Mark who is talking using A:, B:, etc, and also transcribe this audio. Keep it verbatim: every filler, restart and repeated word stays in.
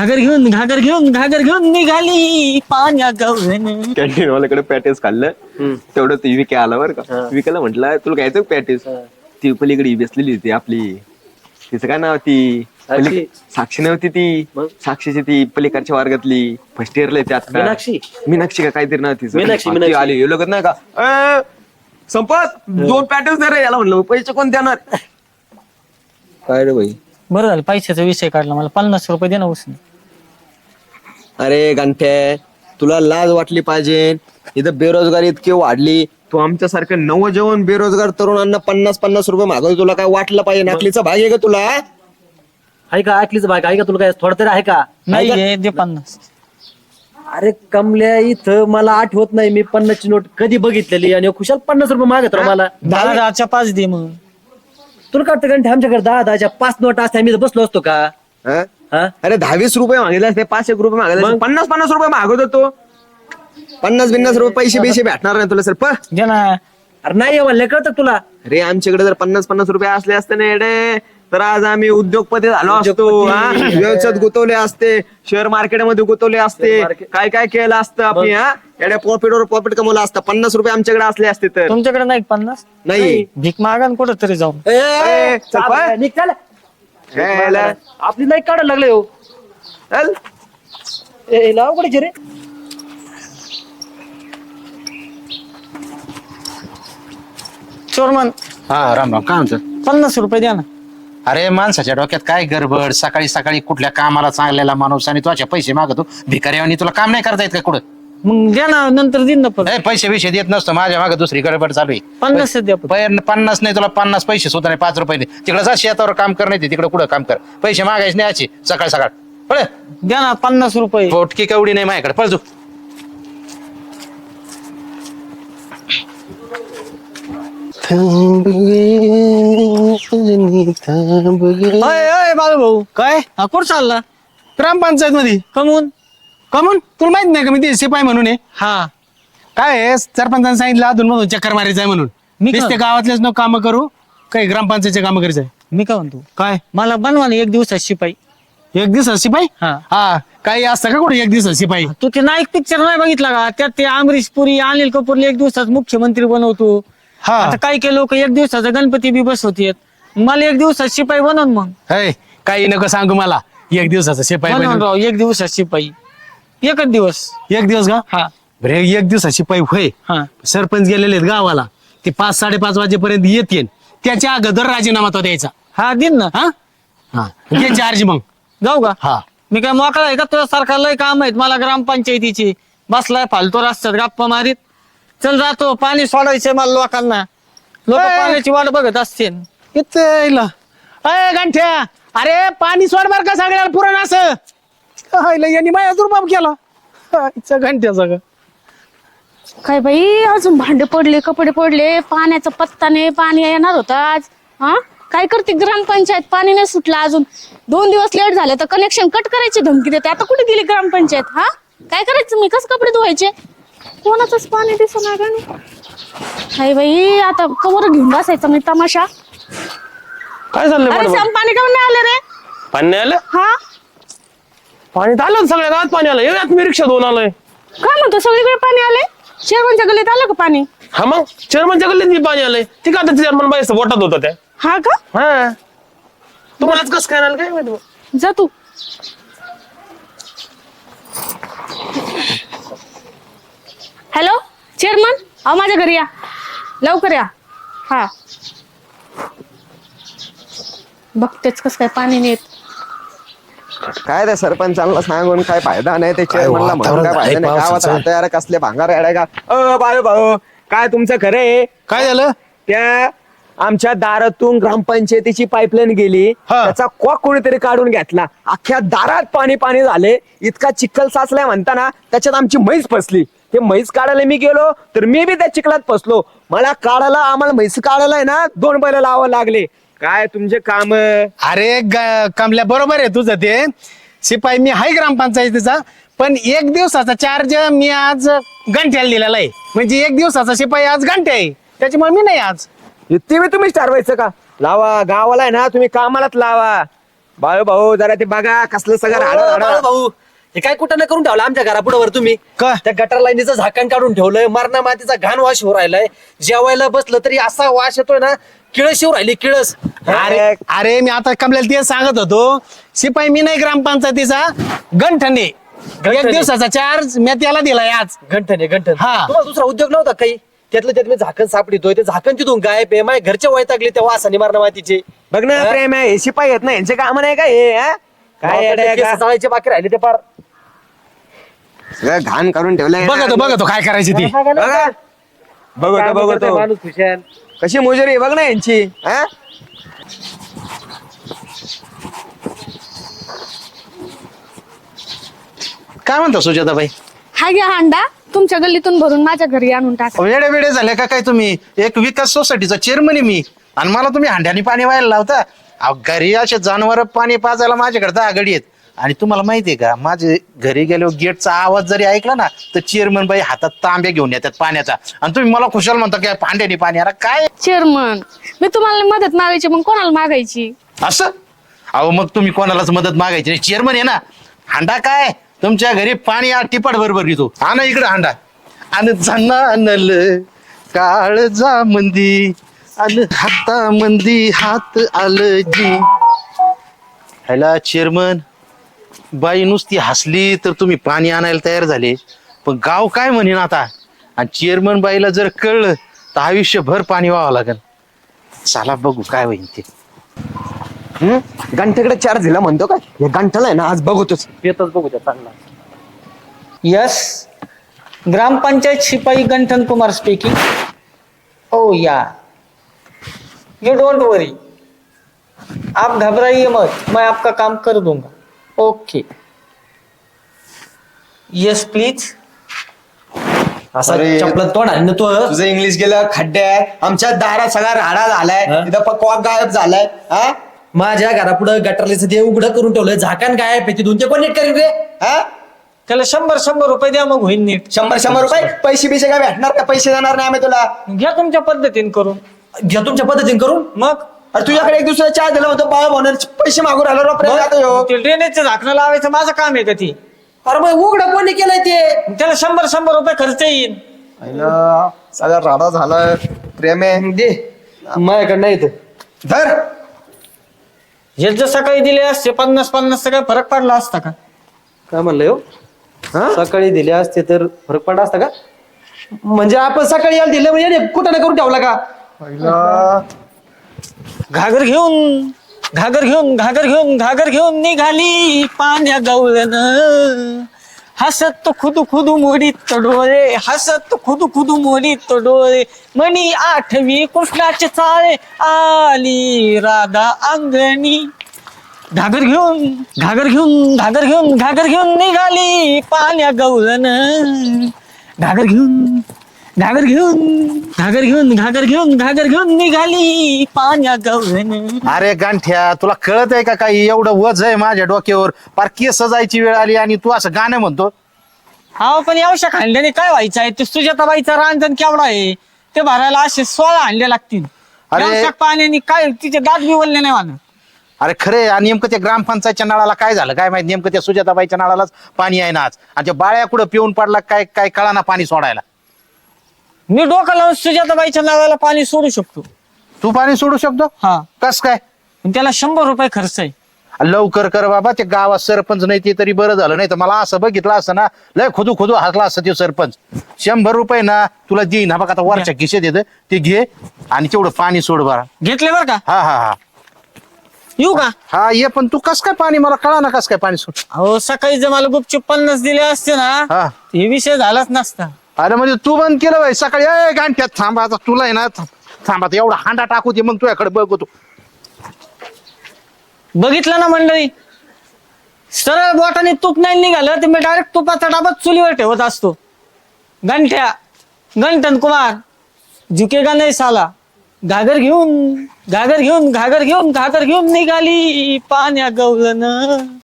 A: घागर घेऊन घागर घेऊन घागर घेऊन निघाली पाण्या गव्हाण.
B: कॅन्टीन वाल्याकडे पॅटेस खाल्लं तेवढं ती विके आला बरं का. विकेला म्हटलं तुला घ्यायचं पॅटेस. ती पलीकडे बसलेली होती आपली, तिचं काय नाव ती पली- साक्षी नव्हती ती, साक्षीची ती पलीकडच्या वर्गातली फर्स्ट इयरला आहे ती आता.
C: मीनाक्षी
B: मीनाक्षी का काहीतरी नाव तिचं.
C: मीनाक्षी,
B: ती
C: मीनाक्षी.
B: आली हे लोक नाही का "अ, संपत दोन पॅटेस दे रे." याला म्हणलं पैसे कोण देणार. काय रे भाई.
A: बरं झालं पैशाचा विषय काढला, मला पन्नास रुपये दे ना उसने.
B: अरे गंठ्या तुला लाज वाटली पाहिजे. इथं बेरोजगारी इतकी वाढली, तू आमच्यासारखं नवजवान बेरोजगार तरुणांना पन्नास पन्नास रुपये मागवतो. तुला काय वाटलं पाहिजे? नाकलीचा भाग आहे का तुला?
C: आहे का ऐकलीच बाय आहे का तुला काय थोडं तरी आहे का?
A: नाही हे दे पन्नास.
C: अरे कमल्या इथं मला आठवत नाही मी पन्नासची नोट कधी बघितलेली आणि खुशाल पन्नास रुपये मागत राव मला.
A: दहा दहाच्या पाच दे मग.
C: तुला काय वाटतं आमच्याकडे दहा दहाच्या पाच नोट असते आम्ही इथं बसलो असतो का?
B: हं?
C: हा
B: अरे दहावीस रुपये मागितले असते, पाच एक रुपये मागितले असते, पन्नास पन्नास रुपये मागवत होतो. पन्नास बिन्नास रुपये पैसे पैसे भेटणार नाही तुला सर. प
A: दे ना.
C: अरे नाही म्हणलं कळतं तुला.
B: अरे आमच्याकडे जर पन्नास पन्नास रुपये असले असते ना येडे तर आज आम्ही उद्योगपती झालो असतो. हा? व्यवसायात गुंतवले असते, शेअर मार्केटमध्ये गुंतवले असते, काय काय केलं असतं आपण. हा येड्या प्रॉफिटवर प्रॉफिट कमवलं असतं. पन्नास रुपये आमच्याकडे असले असते तर.
A: तुमच्याकडे नाही पन्नास?
B: नाही
A: भीक मागा ना कुठं तरी जाऊन.
C: ए,
B: ए, चल
C: चाल,
B: पळ.
C: निघ, चाल.
B: काय याला?
C: आपली नाही काढायला लागले हो.
B: चल.
C: ए, लाव कडे रे.
A: चोरमन
D: हा राम राम. काय म्हणतो?
A: पन्नास रुपये द्या ना.
D: अरे माणसाच्या डोक्यात काय गडबड. सकाळी सकाळी कुठल्या कामाला चांगलेला माणूस आणि तुझ्या पैसे मागतो भिकाऱ्यावानी. तुला काम नाही करता येत का कुठं?
A: मग द्या ना, नंतर देईन ना परत.
D: ए, पैसे बिशे देत नसतो. माझ्या मागे दुसरी गडबड चालू आहे.
A: पन्नास द्या परत.
D: पै- पन्नास नाही तुला पन्नास पैसे सुद्धा नाही. पाच रुपये दे. तिकडे जा शेतावर काम कर, नाही तिकडे कुठं काम कर. पैसे मागायचे नाही याची सकाळ सकाळ. पळ.
A: द्या ना पन्नास रुपये.
D: पोटकी कवडी नाही माझ्याकडे. पळ तू.
A: अय अय बाळू भाऊ,
E: काय
A: हा कुठं चालला?
E: ग्रामपंचायत मध्ये
A: कमून?
E: कमून तुला माहित नाही का मी ते शिपाई म्हणून आहे.
A: हा
E: काय आहे, सरपंचाने सांगितलं अधून म्हणून चक्कर मारायचं आहे म्हणून.
A: मी
E: मी
A: का-
E: ते गावातलेच न काम करू, काही ग्रामपंचायतचे काम करायचं आहे.
A: मी काय म्हणतो,
E: काय
A: मला बनवा ना एक दिवसात शिपाई.
E: एक दिवस शिपाई?
A: हा.
E: हा काही असतं का कुठे एक दिवस शिपाई?
A: तू ते नाईक पिक्चर नाही बघितला का? त्यात ते अमरीश पुरी अनिल कपूरला एक दिवसात मुख्यमंत्री बनवतो.
E: हा
A: आता काही काही लोक एक दिवसाचा गणपती बी बसवतात. मला एक दिवसात शिपाई बनवून मग.
E: है, काही नको सांगू मला. एक दिवसाचा शिपाई
A: बनवून
E: बनवून.
A: राव एक दिवसात शिपाई. एकच दिवस.
E: एक दिवस का?
A: हा
E: बरे एक दिवसा शिपाई होय.
A: हा
E: सरपंच गेलेले आहेत गावाला, ते पाच साडेपाच वाजेपर्यंत येतील. त्याच्या अगोदर राजीनामा तो द्यायचा.
A: हा दिन ना.
E: हा हा घे चार्ज मग.
A: जाऊ का?
E: हा
A: मी काय मोकळा आहे का? तुला सारखा लय काम आहेत मला ग्रामपंचायतीची. बसलाय फालतो रस्त्यात गप्पा मारीत. चल जातो, पाणी सोडायचंय मला लोकांना. लोक
E: ए.
A: पाण्याची वाट बघत असतील.
E: इथे इला. अय गंठ्या, अरे पाणी सोड बर का सगळ्याला पुरण असं. हायला, यांनी माझ्या दुर्बाब केला. हायचा घंट्याचा का.
F: काय बाई अजून भांडे पडले, कपडे पडले, पाण्याचा पत्ता नाही. पाणी येणार होतं आज. हा काय करते ग्रामपंचायत? पाणी नाही सुटलं अजून. दोन दिवस लेट झाले तर कनेक्शन कट करायची धमकी देते. आता कुठे गेली ग्रामपंचायत? हा काय करायचं? मी कसं कपडे धुवायचे? कोणाचंच पाणी दिसणार का नाही. हाय बाई आता कवर घेऊन बसायचं मी तमाशा.
C: काय चाललंय
F: अरे
C: मॅडम?
F: सम पाणी काऊन नाही आलं रे?
C: पाणी नाही आलं?
F: हा
C: पाणी तर आलं सगळ्या गावात पाणी आलं. येऊयात मी रिक्षा दोन आलोय.
F: काय म्हणतो सगळीकडे पाणी आले? शेरवणच्या गल्लीत आलं का पाणी?
C: हा मग चेअरमनच्या गल्लीत पाणी आलंय. ती का आता चेअरमन बाई बोटात होता त्या.
F: हा का?
C: हा तुम्हालाच कसं काय आलं काय माहिती बा.
F: जा तू. हॅलो चेअरमन, अहो माझ्या घरी या लवकर या. हा बघतेच कस काय पाणी नेत.
B: काय त्या सरपंचाला सांगून काय फायदा नाही. ते चेअरमनला म्हणून काय फायदा नाही. गावात राहतो यार कसले भांगार येडाय का. अ बाळू भाऊ काय तुमचं खरं आहे?
E: काय झालं?
B: त्या आमच्या दारातून ग्रामपंचायतीची पाईपलाईन गेली,
E: हा.
B: त्याचा कॉक कोणीतरी काढून घेतला. अख्ख्या दारात पाणी पाणी झाले. इतका चिखल साचलाय म्हणताना त्याच्यात आमची म्हैस फसली. ते म्हैस काढायला मी गेलो तर मी बी त्या चिखलात फसलो. मला काढायला आम्हाला म्हैस काढायला आहे ना दोन बैल लावावं लागले. काय तुमचे काम?
E: अरे ग- कमल्या बरोबर आहे तुझं ते. शिपाई मी आहे ग्रामपंचायतीचा, पण एक दिवसाचा चार्ज मी आज घंट्याला दिलेला आहे. म्हणजे एक दिवसाचा शिपाई आज घंटे आहे, त्याच्यामुळे मी नाही आज.
B: ते बी तुम्हीच ठरवायचं का? लावा गावाला आहे ना, तुम्ही कामालाच लावा. बाळू भाऊ जरा ते बघा कसलं सगळं राडा
C: बाळू
B: राडा.
C: भाऊ हे काय कुठं न करून ठेवलं आमच्या घरापुढे तुम्ही
E: का?
C: त्या गटर लाईनीचं झाकण काढून ठेवलंय मरणा मातीचा घाण वास होऊ राहिलाय जेवायला बसलं तरी असा वास येतोय ना किळस येऊ राहिली किळस
E: अरे अरे मी आता कमल्याला तेच सांगत होतो शिपाई मी नाही ग्रामपंचायतीचा गंठने एक
C: गंठने.
E: दिवसाचा चार्ज मी त्याला दिलाय आज
C: घंटन आहे घंटन
E: हा.
C: तुम्हाला दुसरा उद्योग नव्हता काही त्यातलं त्यात मी झाकण सापडितोय ते झाकण तिथून गायब आहे माझ्या घरच्या वैतागले त्या वासाने मरणा मातीचे
B: बघ ना प्रेम आहे हे शिपाई येत ना यांचे काम नाही का हे हा? काय येडं आहे का?
C: चाळायचे बाकी राहिले ते पार
B: सगळं घाण करून ठेवलंय
E: बघतो बघतो काय करायची ती
B: बघा बघतो
C: काम करतोय
B: बघतो
C: माणूस खुशाल
B: कशी मोजरी आहे बघ ना यांची हा?
D: काय म्हणता सुजाताबाई
F: हा घ्या हांडा तुमच्या गल्लीतून भरून माझ्या घरी आणून टाका
D: वेडे वेडे झाले का काय तुम्ही एक विकास सोसायटीचा चेअरमन आहे मी आणि मला तुम्ही हांड्याने पाणी व्हायला लावता अहो, घरी असे जनावर पाणी पाजायला माझ्याकडे आघाडी आहेत आणि तुम्हाला माहितीये का माझे घरी गेल्यावर गेटचा आवाज जरी ऐकला ना तर चेअरमन बाई हातात तांब्या घेऊन येतात पाण्याचा आणि तुम्ही मला खुशाल म्हणता की हांड्याने पाणी अरे काय
F: चेअरमन मी तुम्हाला मदत मागायची मग कोणाला मागायची
D: असं अहो मग तुम्ही कोणालाच मदत मागायची नाही चेअरमन आहे ना हांडा काय तुमच्या घरी पाणी आ टिपाट बरोबर घेतो हा ना इकडे हांडा आणि जनानल काळजा मंदी आणि हाता मंदी हात आलं जी ह्याला चेअरमन बाई नुसती हसली तर तुम्ही पाणी आणायला तयार झाले पण गाव काय म्हणेन आता आणि चेअरमन बाईला जर कळलं तर आयुष्यभर पाणी व्हावं लागेल चला बघू काय होईल ते
B: हम्म? गंठेकडे चार्ज दिला म्हणतो का हे गंठला आहे ना आज बघतोच
C: येतच बघू त्या चांगला
A: यस ग्रामपंचायत सिपाही गंठन कुमार स्पीकिंग ओ या यू डोंट वरी आप घबराइए मत मैं आपका काम कर दूंगा ओके यस प्लीज
C: असा
B: अरे.
C: चपला तोंड आणि ना तो
B: तुझं इंग्लिश गेलं खड्डे आहे आमच्या दारात सगळा राडा झालाय
C: हा?
B: तिथं पकवाक गायब झालाय हा
C: माझ्या घरापुढे गटरलीचं ते उघडं करून ठेवलंय झाकण काय आहे ते दोन ते कोण नीट करीन रे
B: हा
A: त्याला शंभर शंभर रुपये द्या मग होईल नीट
B: शंभर शंभर रुपये पैसे बिसे काय भेटणार का पैसे देणार नाही आम्ही तुला
A: घ्या तुमच्या पद्धतीने करून
C: घ्या तुमच्या पद्धतीने करून
A: मग
B: अरे तुझ्याकडे एक दुसरा चहा दिला होता बाळ म्हणून पैसे मागून राहिलो रे प्रेम आता ह्यो.
A: ते ड्रेनेजचं झाकणं लावायचं माझं काम आहे का ती
C: अरे मग उघडं कोणी केलंय ते
A: त्याला शंभर शंभर रुपये खर्च येईल
B: आईला, सगळा राडा झालाय प्रेम आहे
C: दे माझ्याकडे नाही इथं.
B: धर
A: हे जर सकाळी दिले असते पन्नास पन्नास काय फरक पडला असता का
C: काय म्हणलंय हो
B: हा?
C: सकाळी दिले असते तर फरक पडला असता का म्हणजे आपण सकाळी यायला दिले म्हणजे याने कुठं ना करून ठेवला का
B: आईला,
A: घागर घेऊन घागर घेऊन घागर घेऊन घागर घेऊन निघाली पाण्या गवळण हसत खुदू खुदू मोडीत डोळे हसत खुदू खुदू मोडीत डोळे मणी आठवी कृष्णाचे चाळे आली राधा अंगणी घागर घेऊन घागर घेऊन घागर घेऊन घागर घेऊन निघाली पाण्या गवळण घागर घेऊन घागर घेऊन घागर घेऊन घागर घेऊन घागर घेऊन निघाली पाण्या गवळण
D: अरे गांठ्या तुला कळत आहे का काही एवढं वज आहे माझ्या डोक्यावर पार केस सजायची वेळ आली आणि तू असं गाणं म्हणतो
A: हा पण यावशा खांड्याने काय व्हायचं आहे ते सुजाताबाईचा रांजण केवढा आहे ते भरायला असे सोळा हांडे लागतील
D: अरे.
A: यावशा पाण्याने काय तिचे दात बी वळले नाही मला
D: अरे खरे आणि नेमकं त्या ग्रामपंचायतच्या नळाला काय झालं काय माहिती नेमकं त्या सुजाताबाईच्या नळालाच पाणी आहे ना आज आणि त्या बाळ्या कुठं पिऊन पडला काय काय कळाना पाणी सोडायला
A: मी डोकं लावून सुजाताबाईच्या नावाला पाणी सोडू शकतो
D: तू पाणी सोडू शकतो
A: हा
D: कस काय
A: पण त्याला शंभर रुपये खर्च आहे
D: लवकर कर बाबा ते गावात सरपंच नाही ते तरी बरं झालं नाही तर मला असं बघितलं असतं ना लय खुदू खुदू हसला असतं ते सरपंच शंभर रुपये ना तुला देईन हा बघ आता वरच्या खिशेत येतं ते घे आणि तेवढं पाणी सोड बरा
A: घेतले बरं का
D: हा हा हा
A: येऊ का
D: हा ये पण तू कस काय पाणी मला कळा ना कस काय पाणी सोड
A: अहो सकाळी जर मला गुपचूप पन्नास दिले असते ना
D: हा
A: हे विषय झालाच नसता
D: अरे म्हणजे तू बंद केलं बाई सकाळी ए गांठ्यात थांबा आता तुला आहे ना थांबा आता एवढा हांडा टाकू दे मग तुझ्याकडे बघतो
A: बघितलं ना मंडळी सरळ बोटाने तूप नाही निघालं तर मी डायरेक्ट तुपाचा डाबाच चुलीवर ठेवत असतो गंठ्या गंठन कुमार झुकेगा नाही साला घागर घेऊन घागर घेऊन घागर घेऊन घागर घेऊन निघाली पाण्या गवळण